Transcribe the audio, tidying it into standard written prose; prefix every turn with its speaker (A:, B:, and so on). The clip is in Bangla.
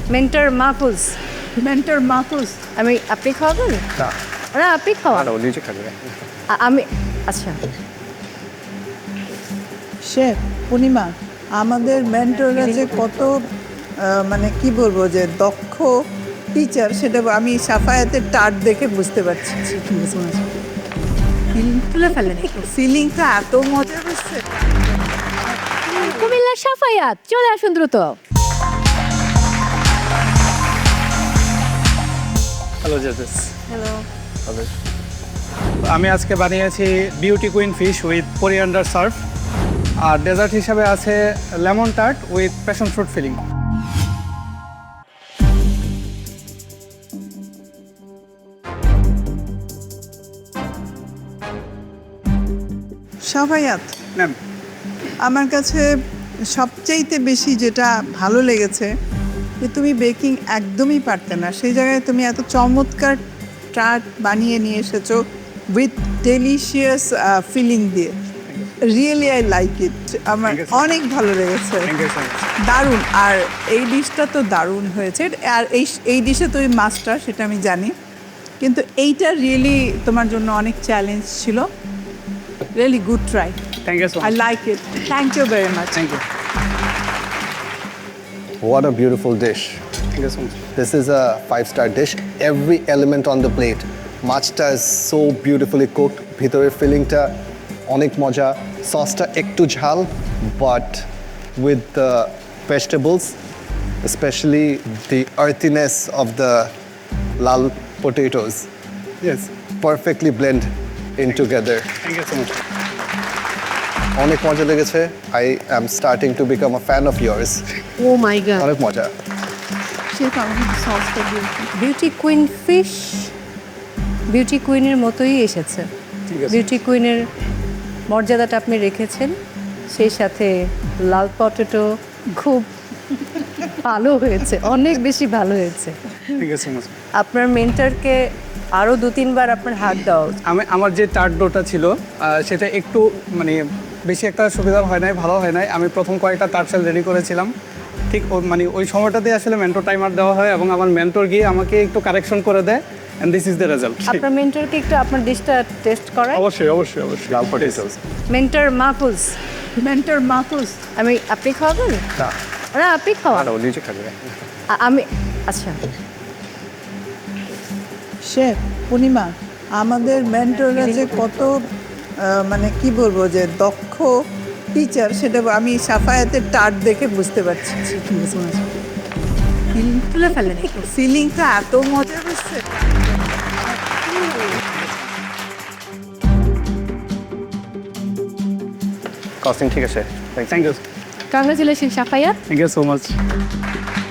A: মেন্টর মাহফুজ।
B: মেন্টর মাহফুজ।
A: আপনি খাওয়াবেন?
C: না
A: না আপনি খাওয়ান।
C: না, ও নিজে খাবে।
A: আমি আচ্ছা
B: শেফ পূর্ণিমা, আমাদের মেন্টররা যে কত মানে কি বলবো যে দক্ষ টিচার, সেটা আমি সাফায়াতের টার্ট দেখে বুঝতে পারছি।
A: তুলে ফেলেন।
B: ফিলিংটা এত মজা হচ্ছে।
A: কুমিল্লার সাফায়াত চলে আসুন দ্রুত।
C: হ্যালো জাজেস।
A: হ্যালো।
C: আমি আজকে বানিয়েছি beauty queen fish with coriander serve, আর ডেজার্ট হিসাবে আছে lemon tart with passion fruit filling.
B: Safayat,
C: ma'am,
B: আমার কাছে সবচাইতে বেশি যেটা ভালো লেগেছে যে তুমি বেকিং একদমই পারতে না, সেই জায়গায় তুমি এত চমৎকার টার্ট বানিয়ে নিয়ে এসেছো উইথ ডেলিশিয়াস ফিলিং দিয়ে। Really I like it. আমার
C: Thank you, sir.
B: অনেক ভালো লেগেছে,
C: থ্যাংক ইউ সো মাচ।
B: দারুণ। আর এই ডিশটা তো দারুণ হয়েছে। আর এই ডিশে তুমি মাস্টার, সেটা আমি জানি, কিন্তু এইটা রিয়েলি তোমার জন্য অনেক চ্যালেঞ্জ ছিল। Really good try.
C: Thank you so
B: I
C: much.
B: like it. Thank you very much.
C: Thank you.
D: What a beautiful dish.
C: Thank you so much.
D: This is a 5-star dish. Every element on the plate. মাছটা is so beautifully cooked. ভিতরের ফিলিংটা অনেক মজা। সসটা একটু ঝাল, but with the vegetables, especially the earthiness of the lal potatoes,
C: yes,
D: perfectly blend in together.
C: Thank you so much.
D: অনেক মজা লেগেছে. I am starting to become a fan of yours.
A: Oh my god.
D: অনেক মজা.
B: শেফ, আমাকে সসটা দিয়ে
A: বিউটি কুইন ফিশ বিউটি কুইনের মতোই এসেছে।
C: ঠিক আছে।
A: বিউটি কুইনের মর্যাদাটা আপনি রেখেছেন, সেই সাথে লাল পটেটো খুব ভালো হয়েছে, অনেক বেশি ভালো হয়েছে।
C: Thank you so much.
A: আপনার মেন্টরকে আরও 2-3 বার আপনার হাত দেওয়া উচিত।
C: আমার যে টার্ট ডোটা ছিল সেটা একটু মানে বেশি একটা সুবিধা হয় নাই, ভালো হয় নাই। আমি প্রথম কয়েকটা টার্ট সেল রেডি করেছিলাম, ঠিক মানে ওই সময়টাতে আসলে মেন্টর টাইমার দেওয়া হয় এবং আমার মেন্টর গিয়ে আমাকে একটু কারেকশন করে দেয়, and this is the result.
A: আপনার মেন্টরকে একটু আপনার ডিশটা টেস্ট করায়।
C: অবশ্যই অবশ্যই অবশ্যই।
D: লাল potatoes.
A: Mentor Mahfuz.
B: Mentor Mahfuz.
A: আপনি খাওয়াবেন?
D: না
A: না আপনি খাওয়ান।
D: না, ও নিজে খাবে।
A: আমি আচ্ছা
B: শেফ পূর্ণিমা, আমাদের মেন্টররা যে কত মানে কি বলবো যে দক্ষ টিচার, সেটা আমি সাফায়াতের টার্ট দেখে বুঝতে পারছি।
A: তুলে ফেলেন।
B: ফিলিংটা এত মজা হচ্ছে।
D: কস্টিং ঠিক আছে।
C: Thank you.
A: Congratulation Safayat.
C: Thank you so much.